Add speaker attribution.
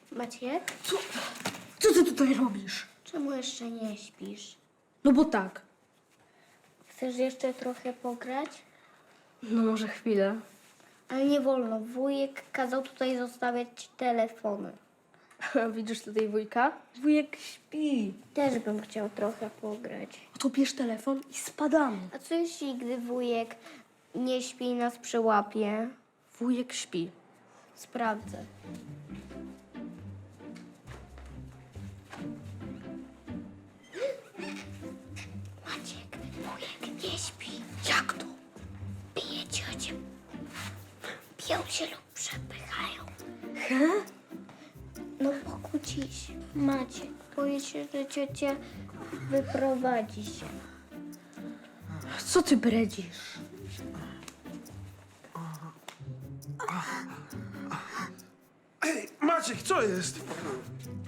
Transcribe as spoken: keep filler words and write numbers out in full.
Speaker 1: Maciek,
Speaker 2: Co? Co ty tutaj robisz?
Speaker 1: czemu jeszcze nie śpisz?
Speaker 2: No bo tak.
Speaker 1: Chcesz jeszcze trochę pograć?
Speaker 2: No może chwilę.
Speaker 1: Ale nie wolno. Wujek kazał tutaj zostawiać telefony.
Speaker 2: Widzisz tutaj wujka? Wujek śpi.
Speaker 1: Też bym chciał trochę pograć.
Speaker 2: No to bierz telefon i spadamy.
Speaker 1: A co jeśli, gdy wujek nie śpi i nas przyłapie?
Speaker 2: Wujek śpi.
Speaker 1: Sprawdzę. Maciek, wujek nie śpi.
Speaker 2: Jak to?
Speaker 1: Bije ciocię. Biją się lub przepychają.
Speaker 2: He?
Speaker 1: No pokłóci się. Maciek, boję się, że ciocia wyprowadzi się.
Speaker 2: Co ty bredzisz?
Speaker 3: Ej, Maciek, co jest?